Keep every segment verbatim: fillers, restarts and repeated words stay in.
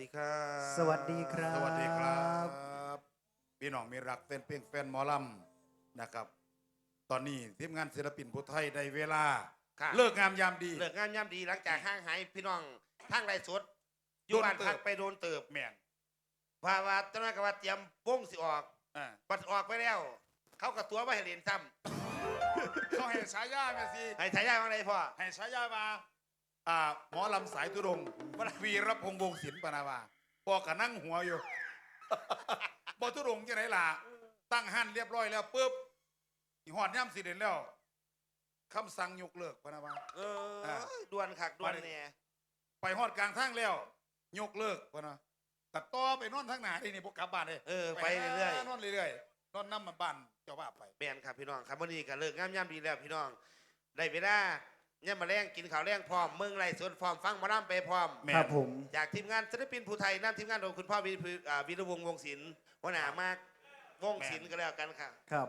ดีครับสวัสดีครับสวัสดีครับพี่น้องมีรักแฟนเพลงแฟนหมอลำนะครับตอนนี้ทีมงานศิลปินผู้ไทยได้เวลาเลิกงามยามดีเลิกงามยามดีหลังจากห่างหายพี่น้องทางไรสดอยู่บ้านพักไปโดนเติบแม่นว่าว่าตอนนั้นก็ว่าเตรียมวงสิออกอ่าปัดออกไปแล้ว เขากับตัวมาให้เรียนซ้เขาให้ฉายาแม่สิำให้ฉายาว่าไงพ่อให้ฉายามาอ่าหมอลำสายตุรงค์วีรพงษ์วงศิลป์ปนาวาพอกะนั่งหัวอยู่ บอตุรงค์จะไหนล่ะตั้งหันเรียบร้อยแล้วปุ๊บหอดย่ำสิเด่นแล้วคำสั่งยกเลิกปนาวาเออด่วนคักด่วนเนี่ยไปหอดกลางทางแล้ว ยกเลิกปนะตัดต่อไปนอนทางหนาได้นี่พวกกลับบ้านเลยเออไปเรื่อยนอนเรื่อยๆนอนน้ำมาบ้านเจ้าบ้าไปๆแมนครับพี่น้องครับวันนี้ก็เลิกงามยามดีแล้วพี่น้องได้เวลาเนี่ยมาแรงกินข้าวแรงพร้อมเมืองไรสวนพร้อมฟังหมาล่ำไปพร้อมแม่นครับผมจากทีมงานศิลปินภูไทยนำทีมงานโดยคุณพ่อวีวีรวงศ์วงศิลป์หัวหน้ามากวงศิลป์ก็แล้วกันค่ะครับ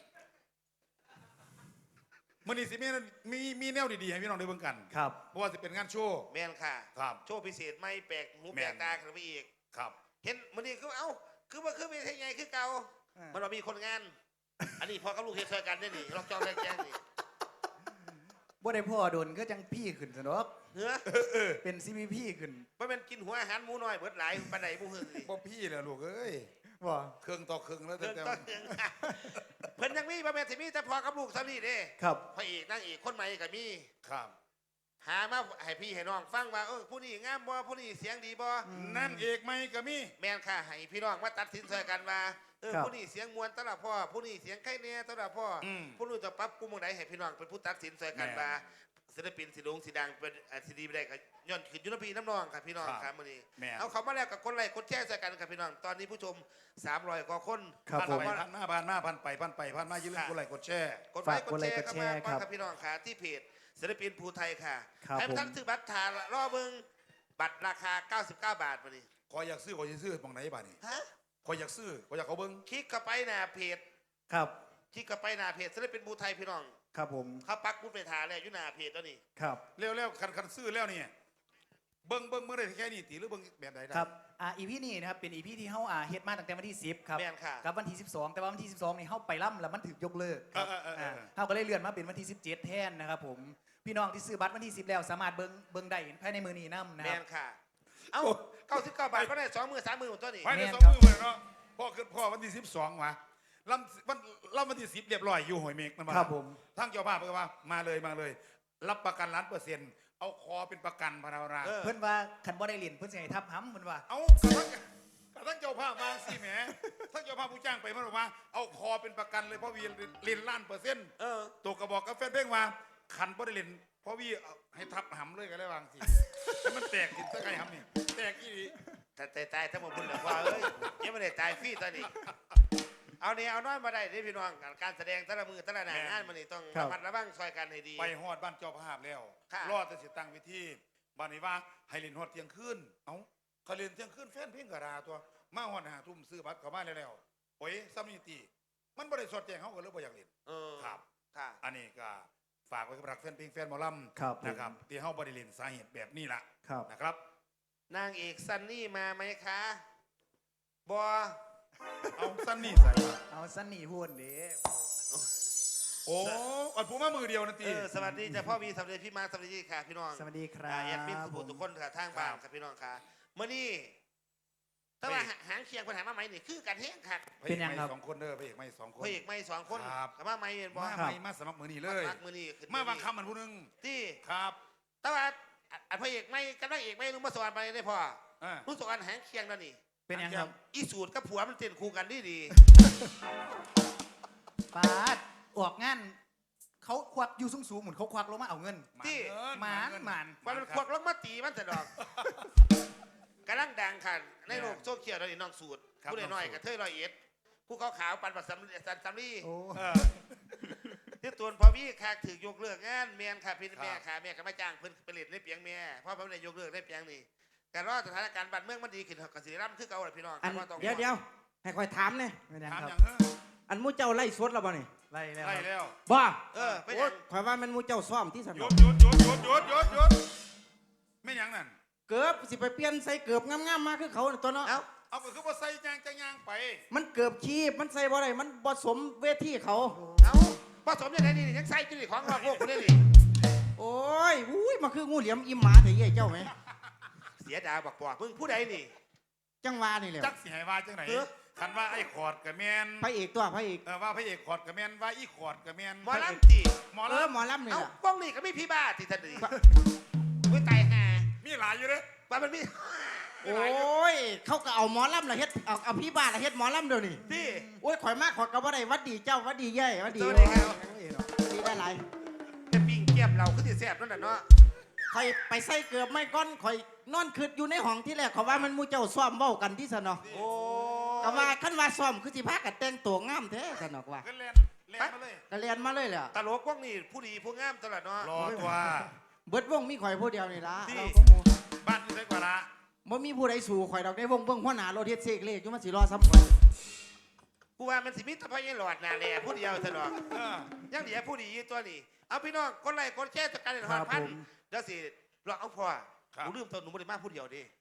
มื่อนี้สิมีมีมีแนวดีๆให้พี่น้องได้เบิ่งกันครับเพราะว่าจะเป็นงานโชว์แมนค่ะครับโชว์พิเศษไม่แปลกหูแม่แปลนกตาขึ้นไปอีกครับเห็นมันนี่คือเอ้าคือว่าคือมีเท่ไงคือเก่าอ่ามัมันเรามีคนงาน อันนี้พอกับลูกเฮ็ดซอยกันได้นี่ล็อกจองแรกแจ้งนี่บ่ได้พ่อโดนก็จังพี่ขึ้นสนอกเนื้อเป็นซีพีพี่ขึ้นมันเป็นกินหัวอาหารหมูน้อยเบิดหลายปานใดหมูหึ่งนี่บ่พี่เลยลูกเอ้ยว่าเครื่องต่อเครื่องแล้วเพิ่แต่นแต่ต้นหนึ่งเพิ่นยังมีบ่แม่นสิมีแต่พอกับลูกซ้ำนี่เด้ครับพระเอกนางเอกคนใหม่ก็มีครับหามาให้พี่ให้น้องฟังว่าเออผู้นี้งามบ่ผู้นี้เสียงดีบ่นั่นเอกไหมก็มีแม่นค่ะให้พี่น้องมาตัดสินใจกันว่าเออครับผู้นี้เสียงมวลตลอดพ่อผู้นี้เสียงไข่แน่ตลอดพ่ออมผู้นู้นจะปรับปรุงตรงไหนให้พี่น้องเป็นผู้ตัดสินใจกันแม่นว่าศิลปินสิลงสีดังเป็นอ่าสีดีไปได้ก็ย้อนขึ้นอยุนพีน้ำนองครับพี่น้องครับครับมื้อนี้แม่นเอาเขามาแล้วกับคนไลค์คนแชร์ใจกันครับพี่น้องตอนนี้ผู้ชมสามร้อยกว่าคนครับพันผมไปพันมาพันมาพันไปพันไปพันมาอย่าลืมกดไลค์กดแชร์กดไลค์ฝากกกดดแชไลค์ร์กดเข้าแชมาร์ก่อนครับครับพี่น้องค่ะที่เพจศิลปินภูไทยค่ะครับให้ผมท่านซื้อบัตรทานรอเบิ่งบัตรราคาเก้าสิบเก้าบาทมื้อนี้ขออยากซื้อขออยากซื้อมองไหนบ้านี่ฮะขออยากซื้อขออยากเขาเบิ้งคลิกเข้าไปหน้าเพจครับคลิกเข้าไปหน้าเพจศิลปินภูไทยพี่น้องครับผมเขาปักบุญไปทาแล้วอยู่หน้าเพจตัวนี้ครับเร็วเร็วคันคันซื้อแล้วเนี่ยเบิ้งเบิ้งเมื่อไรแค่นี้ตีหรือเบิ้งแบบใดได้ครับอ่าอีพีนี้นะครับเป็นอีพีที่เฮาอ่าเฮ็ดมาตั้งแต่วันที่สิบครับแม่นค่ะกับวันที่สิบสองแต่ว่าวันที่สิบสองนี่เฮาไปล่ำแล้วมันถูกยกเลิกครับเออเออเออเออเฮาก็เลยเลื่อนมาเป็นวันที่สิบเจ็ดแทนนะครับผมพี่น้องที่ซื้อบัตรวันที่สิบแล้วสามารถเบิ่งเบิ่งได้ภายในมือนี้นํนะแมครับนค่ะ เอ้าเก้าสิบเก้าบาทก็ได้สองมือสามมือหมดตัวนี้ภายในแม่นสองครับมือเลยเนาะพ่อขึ้นพ่อวันที่สิบสองวะลำวันลำวันที่สิบเรียบร้อยอยู่หอยเมกมันมาครับผมทั้งเจ้าภาพเพื่อว่ามาเลยมาเลย รับประกันล้านเปอร์เซ็นต์เอาคอเป็นประกันพนาราเออเพิ่นว่าคันบ่ได้เล่นเพิ่นสิให้ทับห้ำเพิ่นว่าเอากระทั่งกระทั่งเจ้าภาพมาสิแหมทั้งเจ้าภาพผู้จ้างไปมันบอกว่าเอาคอเป็นประกันเลยเพราะวีเรียนล้านเปอร์เซ็นต์เออตัวกระบอกกับแฟนเพลงว่าขันบ่ได้เล่นเพราะวีเอาให้ทับหำเลยกันแล้ววางสิให้มันแตกสิสักไงหำนี่แตกอีหลีแต่ตายตายทั้งหมดบุญเหลือว่าเอ้ยยังไม่ได้ตายฟรีตอนนี้ เอาเนี่ยเอาน้อยมาได้ที่พี่น้องการแสดงแต่ละมือแต่ละหน้างานมันนี่ต้องครัระบมัดระวังซอยกันให้ดีไปฮอดบ้านเจ้าภาพแล้วค่ะรอดแต่สิตั้งเวิธีบ้านนี้ว่าให้เล่นฮอดเที่ยงคืนเอ้าเขาเล่นเที่ยงคืนแฟนเพลงกระดาตัวมาฮอดหาทุ่มซื้อบัตรเข้ามาแล้วๆโอ้ยซ้ำนี่ตีมันบ่ได้สดแจ้งเขาก็เลยบ่อยากเล่นเออครับค่ะอันนี้ก็ฝากไว้กับรักแฟนเพลงแฟนหมอลครับำนะครับที่เฮาบ่ได้เล่นสาเหตุแบบนี้ล่ะครับนะครับนางเอกซันนี่มาไหมคะบอเอาสั้นนี่ใส่มาเอาสันนี่พูดเด้โอ้อันผมมามือเดียวนะเอตีอสวัสดีจ้ะพ่อวีสวัสดีพี่มาร์คสวัสดีค่ะพี่น้องสวัสดีครัอ่าบแอดมินสุภูทุกคนค่ะทางบ้านครับพี่น้องค่ะเมื่อนี้ถ้าว่าหางเคียงปัญหามาไหมนี่คือการแห้งค่ะพระเอกไม่สองคนเด้อพระเอกไม่สองคนพระเอกไม่สองคนครับกับมาไหมเห็นบ่มาไม่มาสมัครมือนี่เลยมักมือนี่ขึ้นมาบางคำมันผู้หนึงที่ครับแต่ว่าอันพระเอกไม่กับนางเอกไม่รู้มาสอนไปได้พออ่ารู้สอนหางเคียงแล้วนี่เป็นยังครับอีสูตรกับผัวมันเต้นคู่กันดีดีปาดออกงานเขาควักอยู่สูงๆเหมือนเขาควักลงมาเอาเงินที่หมานหมานมันมันควักลงมาตีมันแต่ดอกกำลังดังค่ะในโลกโซเชียลตอนนี้น้องสูตรผู้ใดน้อยกับเทยรอยเอ็ดผู้เขาขาวปันปัดสัมสันสัมลีโอ้เออที่ตัวพอพี่ค่ะถือยกเลิกงานเมียนค่ะพี่แม่ค่ะแม่ก็มาจ้างเพิ่นไปเล่นในเปียงแม่เพราะเพิ่นได้ยกเลิกในเปียงนี่การรอสถานการณ์บ้านเมืองมันดีขึ้นกับสิริรัมย์คือเก่าแหละพี่น้องอันว่าต้องเดี๋ยวเดี๋ยวให้คอยถามเนี่ยเป็นยังถามคอรับย่างเฮ้ออันหมูเจ้าไล่สดแล้วบ่นี่ไล่แล้วไล่แล้วบ่เออไปโอ้ยัยงคอยว่ามันหมูเจ้าซ่อมที่สนหยุอดหยุดหยุดหยุดหยุดหยุดหยุดไม่หยังนั่นเกือบสิไปเปลี่ยนใส่เกือบงามๆมาคือเขาน่ะตัวเนาะเอ้าเอาก็คือว่าใส่ยางจะยางไปมันเกือบชีพมันใส่บ่ได้มันบ่สมเวทีเขาเอ้าผสมยังไงนี่ยังใส่จุดของนอกโลกคนนี้นี่โอ้ยอุ้ยมันคืองูเหลี่ยมอิ่มหมาเถอะเย่เจ้าไหมเสียดายบอกบอกมึงผู้ใดนี่จังหวานี่แหละจักสิให้ว่าจังไหนเออคันว่าไอ้ขอดกับแมนพระเอกตัวพระเอกเออว่าพระเอกขอดกับแมนว่าอีขอดกับแมนหมอลำตีหมอเอลอหมอลำนี่เอ้าแหละป้องนี่ก็มีพี่บ้าที่ท่านดีอุ้ยตายห่าำมีหลายอยู่เด้อว่ามันมีโอ้ยเขาก็เอาหมอลำละเฮ็ดเอาเอาพี่บ้านละเฮ็ดหมอลำเดี๋ยวนี้ที่โอ้ยข่อยมากข่อยก็บ่ได้หวัดดีเจ้าหวัดดีเย่หวัดดีสวัสดีครับโอ้ยดีได้หลายจะปิ้งเกียบเราก็สิแซ่บนั่นแหละเนาะข่อยไปใส่เกือบไม่ก้อนข่อยนอนคืดอยู่ในห้องที่แรกเขาว่ามันหมูเจ้าซ้อมเบ้ากันที่สนอโอ้ก็ว่าคันว่าซ้อมคือสิพากันแต่งตัวงามแท้สนอกว่าก็แลนแลนมาเลยก็เรียนมาเลยแหละตลกพวกนี้ผู้ดีผู้งามตลอดเนาะรอตัวเบิดวงมีข่อยผู้เดียวนี่ล่ะที่เราก็หมู่บ้านอยู่ไสกว่าละบ่มีผู้ใดสู่ข่อยดอกได้วงเบิ่งหัวหน้ารถเฮ็ดเสกเลขอยู่มันสิรอซ้ำข่อยกูว่ามันสิมิตรพยัญหลอดนาแลผู้เดียวตลอดเออยังเหลือผู้ดีอยู่ตัวนี้เอาพี่น้องคนไล่คนแช่จัดการในหอดพันเดี๋ยวสิเราเอาพอหนูลืมตัวหนูไม่ได้มาผู้เดียวดิ